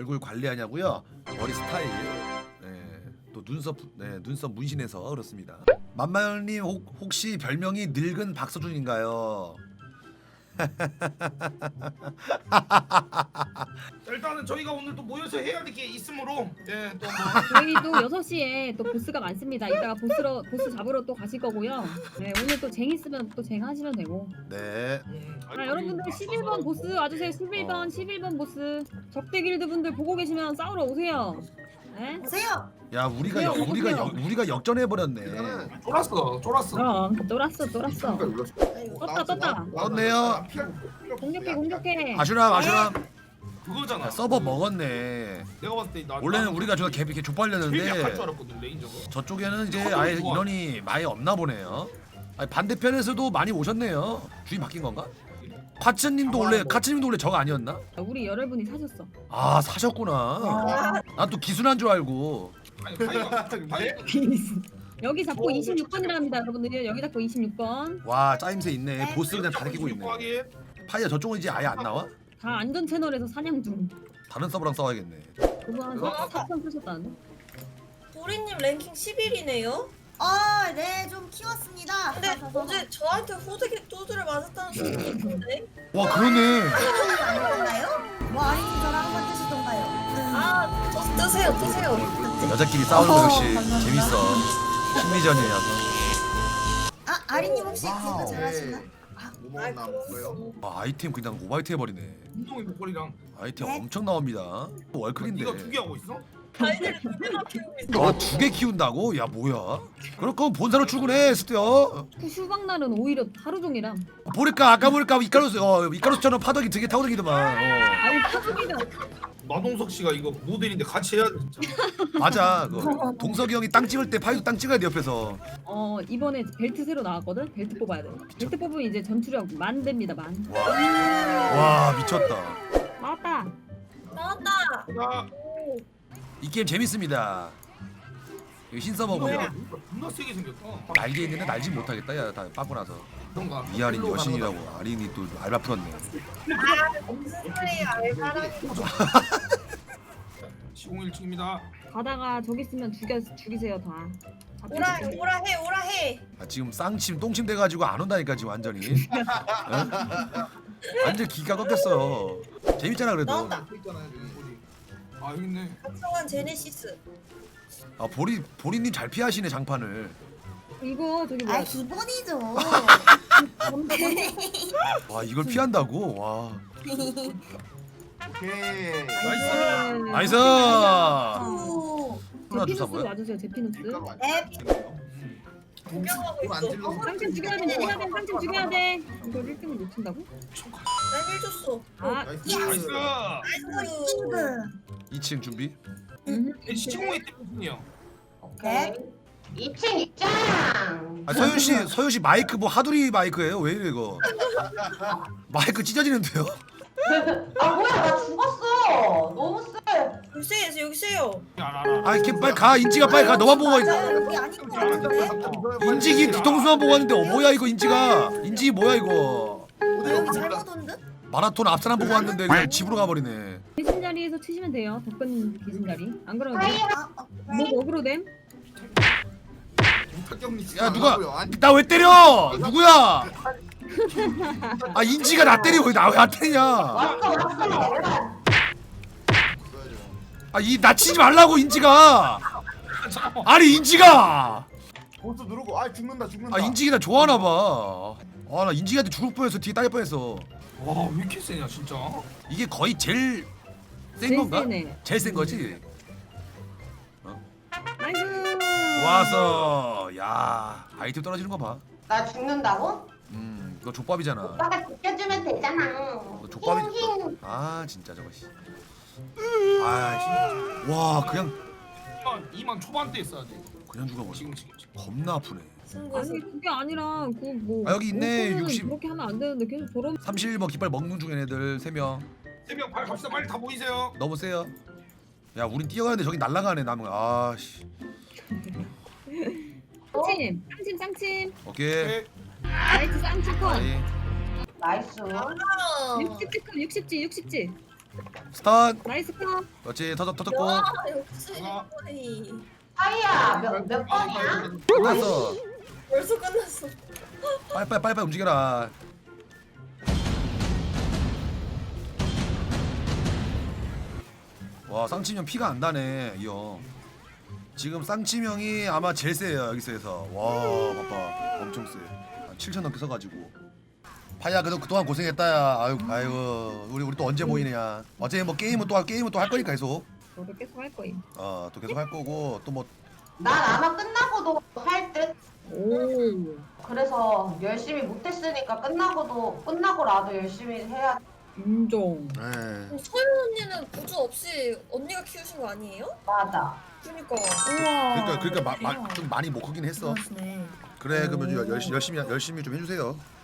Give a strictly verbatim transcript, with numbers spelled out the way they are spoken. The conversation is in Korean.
얼굴 관리하냐고요? 머리 스타일, 네, 또 눈썹, 네, 눈썹 문신해서 그렇습니다. 만만님 혹시 별명이 늙은 박서준인가요? 일단은 저희가 오늘 또 모여서 해야 될 게 있으므로 예, 또 뭐 저희도 여섯 시에 또 보스가 많습니다. 이따가 보스로 보스 잡으러 또 가실 거고요. 네, 오늘 또 쟁 있으면 또 쟁 하시면 되고. 네. 음, 아, 여러분들 십일 번 보스 와주세요. 십일 번, 십일 번 보스. 적대 길드 분들 보고 계시면 싸우러 오세요. 네? 보세요. 야 우리가 오세요, 역, 우리가 오세요. 역, 우리가 역전해 버렸네. 쫄았어 쫄았어. 그럼 쫄았어, 쫄았어. 아이고. 떴다, 떴다. 떴네요. 공격해, 공격해. 아슈람 아슈람. 그거잖아. 야, 서버 먹었네. 내가 봤을 때 나, 원래는 나는 우리가 저가 개 이렇게 제일 약할 줄 족발렸는데 알았거든 레인저가. 저쪽에는 이제 서버는 아예 좋아. 인원이 많이 없나 보네요. 아니, 반대편에서도 많이 오셨네요. 주인 바뀐 건가? 카츠님도 원래 카츠님도 원래 적 아니었나? 우리 여러분이 사셨어. 아 사셨구나. 난 또 기순한 줄 알고. 아니 파이가 파이가 여기 잡고 이십육 번이라 합니다, 여러분들. 여기 잡고 이십육 번. 와 짜임새 있네. 보스 그냥 다 느끼고 있네. 하게. 파이야 저쪽은 이제 아예 안 나와? 다 안전 채널에서 사냥 중. 다른 서버랑 싸워야겠네. 그거 한 사 편 쓰셨다는데? 도리님 랭킹 십일이네요. 어, 네, 좀 키웠습니다. 근데 어제 저한테 호되게 두드려 맞았다는 소문이 있던데. 와 그러네. 안 먹었나요? 뭐 아린님 저랑 한번 뜨시던가요? 아, 저, 뜨세요, 뜨세요. 여자끼리 싸우는 거 역시 감사합니다. 재밌어. 심리전이야. 아, 아린님 혹시 그거 잘하시나? 뭐 먹었나 먹어요? 와 아이템 그냥 오바이트 해버리네. 운동이 목걸이랑 아이템 네. 엄청 나옵니다. 월클인데. 네가 두 개 하고 있어? 아이들 두 개나 키우고 있어. 와두 개 키운다고? 야 뭐야? 그럴 거면 본사로 출근해 스티어. 휴방 날은 오히려 하루 종일함. 보니까 아까 보니까 이카루스 어 이카루스처럼 파덕이 되게 타고다니더만. 어. 아니 하루종일은 마동석 씨가 이거 모델인데 같이 해야 돼 진짜. 맞아. 그 동석이 형이 땅 찍을 때 파이도 땅 찍어야 돼 옆에서. 어 이번에 벨트 새로 나왔거든. 벨트 뽑아야 돼. 벨트 뽑으면 이제 전투력 만 됩니다. 만. 와, 와 미쳤다. 나왔다. 나왔다. 나 오, 이 게임 재밌습니다. 이거 신서버고요. 존나 세게 생겼다. 날개 있는데 날지 못하겠다. 야다 빠고 나서. 그런가? 이하린 여신이라고. 아린이 또 알바 풀었네. 무슨 소리 알바라니. 시공일층입니다. 가다가 저기 있으면 죽여 죽이세요 다. 오라, 오라 해, 오라 해. 아, 지금 쌍침 똥침 돼가지고 안 온다니까 지금 완전히. 어? 완전 기가 꺾였어. 재밌잖아 그래도. 나온다. 있잖아요 여기. 아 여기 있네. 합성한 제네시스. 아 보리 보리님 잘 피하시네 장판을. 이거 저기 뭐야? 아, 기본이죠. 와 이걸 피한다고? 와. 오케이. 나이스. 나이스. 오. 하나 주사 제피누스 뭐야? 와주세요. 제피누스. 앱. 구경하고 안 있어. 찔러서 쌍침 죽여야 돼. 죽여야 돼. 쌍침 죽여야 돼. 이걸 일 등을 놓친다고? 난 해줬어. 아, 나이스. 나이스. 나이스. 친구. 이 층 준비. 음. 시공일 때문이요. 네. 이 층 입장. 아 서윤 씨 서윤 씨 마이크 뭐 하두리 마이크예요? 왜 이래 이거? 마이크 찢어지는데요? 아 뭐야 나 죽었어. 너무 세. 여기 세요, 여기 세요. 알아 알아. 아 이렇게 빨리 가 인지가 빨리 가. 너만 보고 있- 맞아요. 여기 아닌 것 같은데. 인지기 뒤통수만 보고 왔는데 어 뭐야 이거 인지가 인지기 뭐야 이거? 어, 여기 잘못 온 듯? 마라톤 앞사람 보고 왔는데 그냥 집으로 가버리네. 계신 자리에서 치시면 돼요. 덕분 계신 자리. 안 그러면 아, 어, 뭐 어그로 됨? 야 누가 나 왜 때려? 누구야? 아 인지가 나 때리고 나 왜 안 때리냐? 왔어 왔어. 아 이 나 치지 말라고 인지가. 아니 인지가. 보스 누르고 아 죽는다 죽는다. 아 인지기 나 좋아하나 봐. 아 나 인지기한테 죽을 뻔했어. 뒤에 따일 뻔했어. 와 왜 이렇게 세냐 진짜. 이게 거의 제일 센 제일 건가? 세네. 제일 센 거지. 나이스. 와서 야 아이템 떨어지는 거 봐. 나 죽는다고? 음 이거 족밥이잖아. 오빠가 지켜주면 되잖아. 너 족밥이. 힝힝. 아 진짜 저거 씨. 아와 그냥 이만 이만 초반대 했어야 돼. 그냥 죽어버려. 지금 지금. 지금. 겁나 아프네. 승부에서. 아니 그게 아니라 그뭐 아, 여기 있네, 육십. 그렇게 하면 안 되는데 계속 저런. 삼십일 번 깃발 먹는 중인 애들 세 명. 세명 빨리 갑시다. 빨리 다 모이세요. 너무 세요. 야 우린 뛰어가는데 저기 날아가네 남은. 아씨. 쌍침, 쌍침, 쌍침. 오케이. 네. 나이스 쌍침 컷. 아이. 나이스. 아, 육십 지 컷, 육십 지, 육십 지. 스턴. 나이스 컷. 그렇지 터졌 터졌고. 야 역시 아. 거의 하이야 몇, 몇 번이야? 끝났어. 벌써 끝났어. 빨빨 빨빨 움직여라. 와 쌍치명 피가 안 나네 이 형. 지금 쌍치명이 아마 제일 세요 여기서에서. 와 봐봐 엄청 세. 한 칠천 넘게 써가지고. 파야 그래도 그동안 고생했다야. 아유 아이고 우리 우리 또 언제 모이느냐. 어제 뭐 게임은 또 할- 게임은 또 할 거니까 계속. 저도 계속 할 거임. 어또 계속 할 거고 또 뭐. 난 아마 끝나고도 할 듯. 오. 그래서 열심히 못했으니까 끝나고도 끝나고라도 열심히 해야. 인정. 에. 그럼 서윤 언니는 보조 없이 언니가 키우신 거 아니에요? 맞아. 그러니까. 우와. 그러니까 그러니까 마, 마, 좀 많이 못 크긴 했어. 그러시네. 그래 그러면 열- 열심히 열심히 열심히 좀 해주세요.